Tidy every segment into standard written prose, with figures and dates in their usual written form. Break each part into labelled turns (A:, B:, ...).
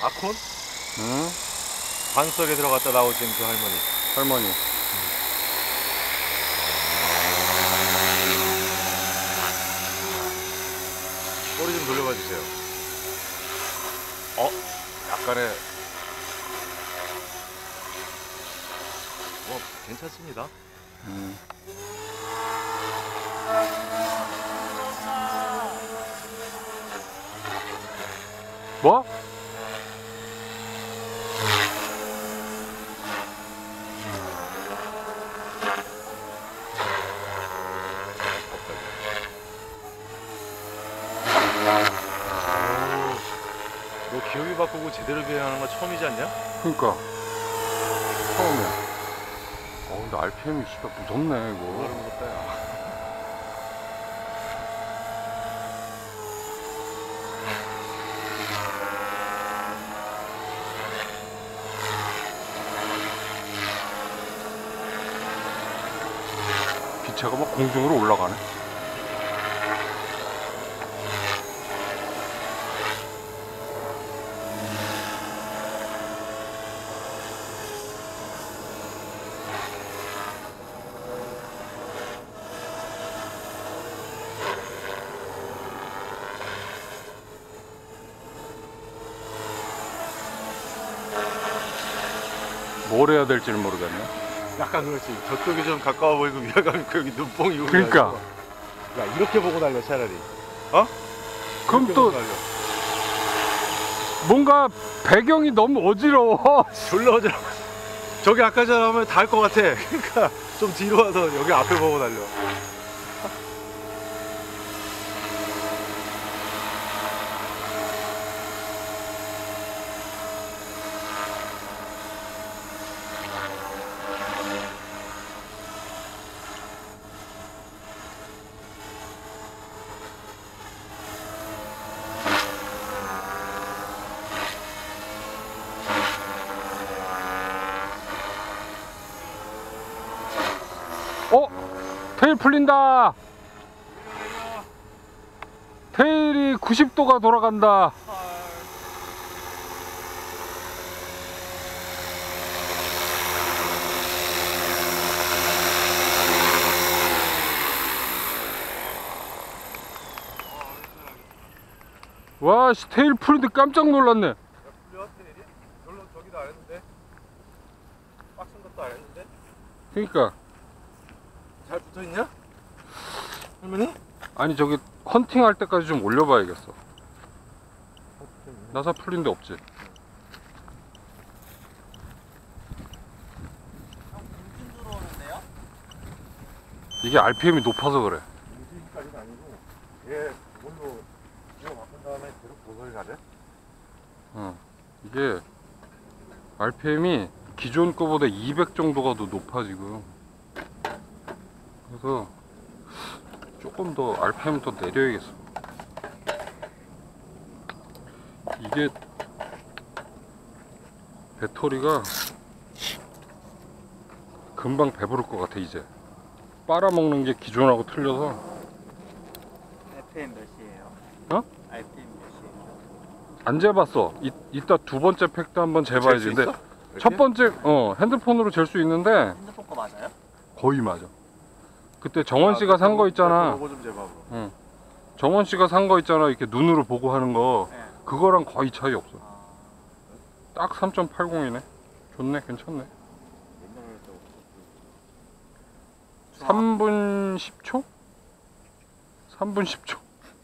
A: 아콘?
B: 응?
A: 관 속에 들어갔다 나오신 그 할머니. 꼬리 좀 돌려봐 주세요. 약간의 괜찮습니다.
B: 뭐?
A: 너 기어이 바꾸고 제대로 비행하는 거 처음이지 않냐?
B: 그니까 처음이야. 근데 RPM이 씨발 무섭네 이거.
A: 뭐가 무섭다 야.
B: 기체가 막 공중으로 올라가네. 뭘 해야 될지를 모르겠네.
A: 약간 그렇지. 저쪽이 좀 가까워 보이고 위화감 있고 여기 눈뽕이 오고.
B: 그러니까.
A: 야 이렇게 보고 달려 차라리.
B: 그럼 또 뭔가 배경이 너무 어지러워.
A: 졸라 어지러워. 저기 아까처럼 하면 닿을 것 같아. 그러니까 좀 뒤로 와서 여기 앞에 보고 달려.
B: 테일 풀린다. 테일이 90도가 돌아간다. 와, 씨, 테일 풀린데 깜짝 놀랐네.
A: 풀려 테일이? 별로 저기도 안 했는데. 빡친 것도 안 했는데.
B: 그러니까
A: 잘 붙어 있냐? 할머니?
B: 아니 저기 헌팅 할 때까지 좀 올려봐야겠어. 나사 풀린 데 없지?
C: 공진 들어오는데요?
B: 이게 RPM이 높아서 그래.
A: 공진까지는 아니고 얘 그걸로 기어 바꾼 다음에 계속 고소리 가래?
B: 이게 RPM이 기존 거보다 200 정도가 더 높아 지금. 그래서 조금 더 RPM 더 내려야겠어. 이게 배터리가 금방 배부를 것 같아 이제. 빨아먹는 게 기존하고 틀려서.
C: RPM 몇이에요? RPM 몇이에요?
B: 안 재봤어. 이따 두 번째 팩도 한번 재봐야지.
A: 잴수
B: 근데
A: 있어?
B: 첫 번째 핸드폰으로 잴 수 있는데
C: 핸드폰 거 맞아요?
B: 거의 맞아. 그때 정원 씨가 산 거 있잖아.
A: 그거 좀 재봐.
B: 정원 씨가 산 거 있잖아. 이렇게 눈으로 보고 하는 거.
C: 네.
B: 그거랑 거의 차이 없어. 딱 3.80이네. 좋네, 괜찮네. 3분 10초? 3분 10초.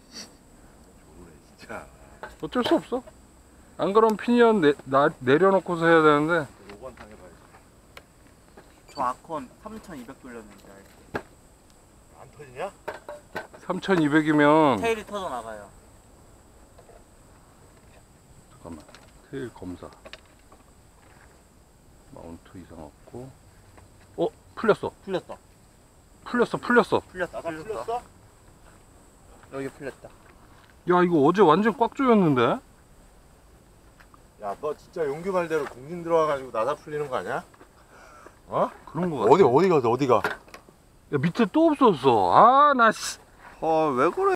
A: 진짜.
B: 어쩔 수 없어. 안 그러면 피니언 내려놓고서 해야 되는데.
A: 5번 당해봐야지.
C: 저 아콘 3200 돌렸는데
A: 안 터지냐?
B: 3200이면
C: 테일이 터져 나가요.
B: 잠깐만. 테일 검사. 마운트 이상 없고. 풀렸어.
C: 풀렸다.
B: 풀렸어.
C: 풀렸다.
A: 풀렸어?
C: 여기 풀렸다.
B: 야, 이거 어제 완전 꽉 조였는데?
A: 야, 너 진짜 용기 말대로 공진 들어와가지고 나사 풀리는 거 아니야?
B: 그런 거 같아.
A: 어디가?
B: 야, 밑에 또 없었어. 아, 나 씨.
C: 왜 그래?